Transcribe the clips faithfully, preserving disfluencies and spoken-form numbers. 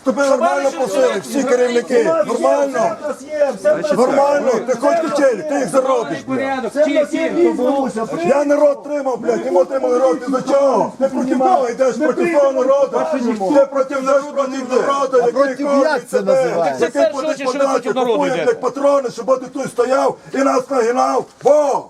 Тобі нормально просили, всі керівники, нормально? Нормально, ти хоч качелі, ти їх заробиш, блядь. Я народ тримав, блядь, йому тримали народ, ти за чого? Ти проти кого йдеш, проти того народу? Ти проти народу, проти народу, який кормить тебе, який платить податки, купує, блядь, патрони, щоб ти тут стояв і нас нагинав. Во!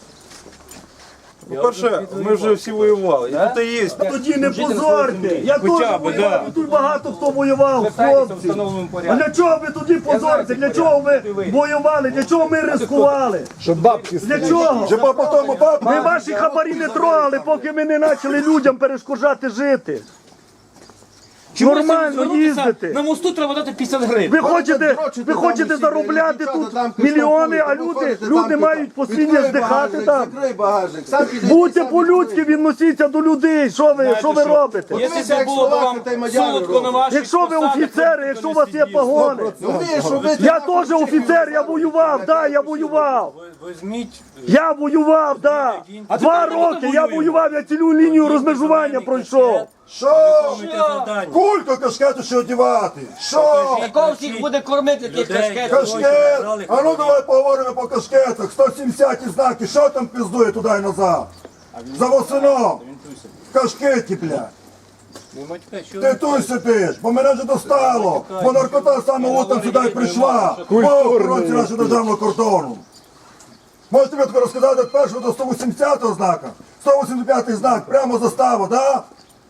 По-перше, ми вже всі воювали, і тут і є. Тоді не позорте. Я теж воював, і тут багато хто воював, хлопці. А для чого ви тоді позорте? Для чого ви воювали? Для чого ми ризикували? Щоб бабки Для чого? Щоб по тому бабу. Ми ваші хабарі не трогали, поки ми не почали людям перешкоджати жити. Нормально їздити. На мосту треба дати п'ятдесят гривень. Ви хочете, ви хочете заробляти тут мільйони, а люди, люди мають постійно здихати там. Закрий багажник, сам піди. Будьте по-людськи, відносіться до людей. Що ви, що ви робите? Якщо це було б вам солодко на ваших Якщо ви офіцери, якщо у вас є погони. Я теж офіцер, я воював, да, я воював. Візьміть. Я воював, да. Два роки я воював, я цілу лінію розмежування пройшов. Що? Кульку кашкету ще одягати. Що? Кого всіх буде кормити тих кашкетів? Кашкет! А ну давай поговоримо по кашкетах. сто сімдесят знаки, що там пиздує туди і назад? За восином. В кашкеті, блядь. Ти тут сидиш, бо мене вже достало. Бо наркота саме утром сюди й прийшла. По охоронці нашого державного кордону. Можете мені таке розказати від першого до сто вісімдесятого знака? сто вісімдесят п'ятий знак, прямо застава, да?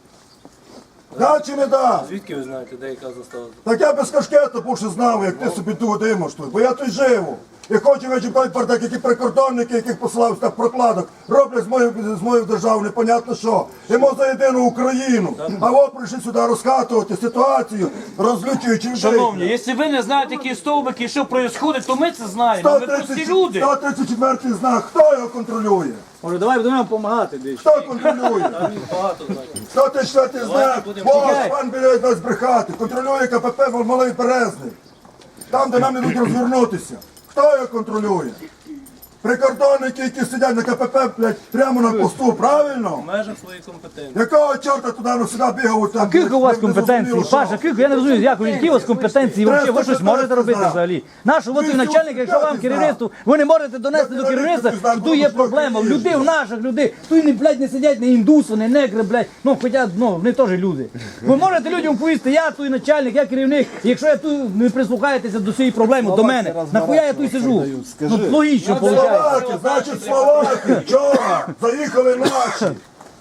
Да чи не да? Звідки ви знаєте, де яка застава? Так я без кашкета більше знав, як ти собі тут димаш тут, бо я тут живу. І хочу вичіпати про так, які прикордонники, яких посилав так прокладок, роблять з моєю, з моєю державою непонятно що. Йому за єдину Україну. А от прийшли сюди розкатувати ситуацію, розлючуючи людей. Шановні, якщо ви не знаєте, які стовбики і що відбувається, то ми це знаємо. Ми прості люди. сто тридцять четвертий знак, хто його контролює? Може, давай будемо допомагати десь. Хто контролює? сто тридцять четвертий знак, ось пан біля нас брехати, контролює КПП Малий Березник. Там, де нам не будуть розвернутися. Хто його контролює? Прикордонники, які сидять на КПП, блядь, прямо на посту, правильно? В межах своєї компетенції. Якого чорта туди ну, сюди бігають? Там, Кілька у вас не- не компетенцій? зрозуміло, що? Паша, кілька, я не розумію, як ви, які у вас компетенції, взагалі, ви щось можете робити взагалі? Нашу, от ви начальник, якщо вам керівництво, ви не можете донести до керівництва, що тут є проблема, в людей, в наших людей, тут не, блядь, не сидять, не індуси, не негри, блядь, ну, хоча, ну, вони теж люди. Ви можете людям повісти, я тут начальник, я керівник, і якщо я тут не прислухаєтеся до цієї проблеми, до мене, нахуя я тут сиджу? Ну, логічно, виходить. Словаки, значить Словаки, вчора заїхали наші.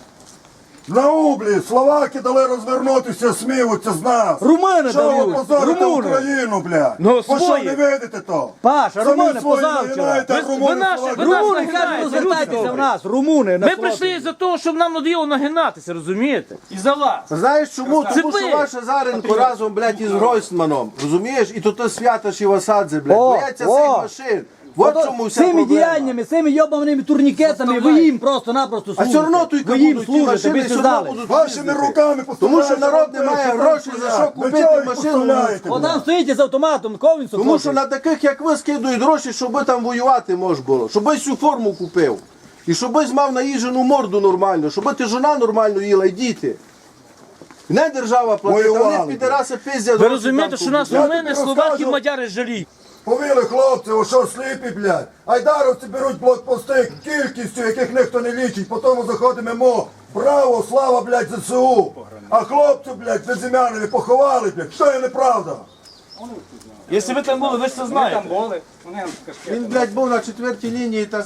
На Ублі Словаки дали розвернутися, сміються з нас. Румуни Що ви дають, позорите румуни. Україну, блядь? Ну, Ви що, свої. не видите то? Паша, Самі румуни свої позавчора. нагинаєте, а Ви- румуни ви наші, Словаки. ви наші. Румуни кажуть, розвертайтеся в нас, румуни. Ми прийшли за того, щоб нам надоїло нагинатися, розумієте? І за вас. Знаєш чому? Це Тому ви. що ваша Заренко разом, блядь, із Гройсманом, розумієш? І тут Святош і Васадзе, блядь, О, бояться о. цих машин. От чому вся Цими проблема. діяннями, цими йобаними турнікетами, ви їм просто-напросто А служите. все одно тут ви їм будуть ті служите, машини, ви все це одно знали. будуть Вашими їздити. руками Тому що поставляєте народ не людей, має що грошей, там за що стоять. купити Ви чого їх машину. поставляєте, О, блядь? там стоїть з автоматом, кого він Тому що на таких, як ви, скидують гроші, щоб ви там воювати можна було, щоб ви цю форму купив. І щоб ви мав наїжджену морду нормально, щоб ти жона нормально їла і діти. Не держава платить, а Воювали, вони підараси пиздять. Ви розумієте, що нас Я румини, тобі словаки, розкажу. мадяри жаліють. Повіли хлопці, о що сліпі, блядь. Айдаровці беруть блокпости кількістю, яких ніхто не лічить. Потім заходимо мо. Право, слава, блядь, ЗСУ. А хлопців, блядь, безім'янові поховали, блядь. Що є неправда? Якщо ви там були, ви ж це знаєте. Він, блядь, був на четвертій лінії та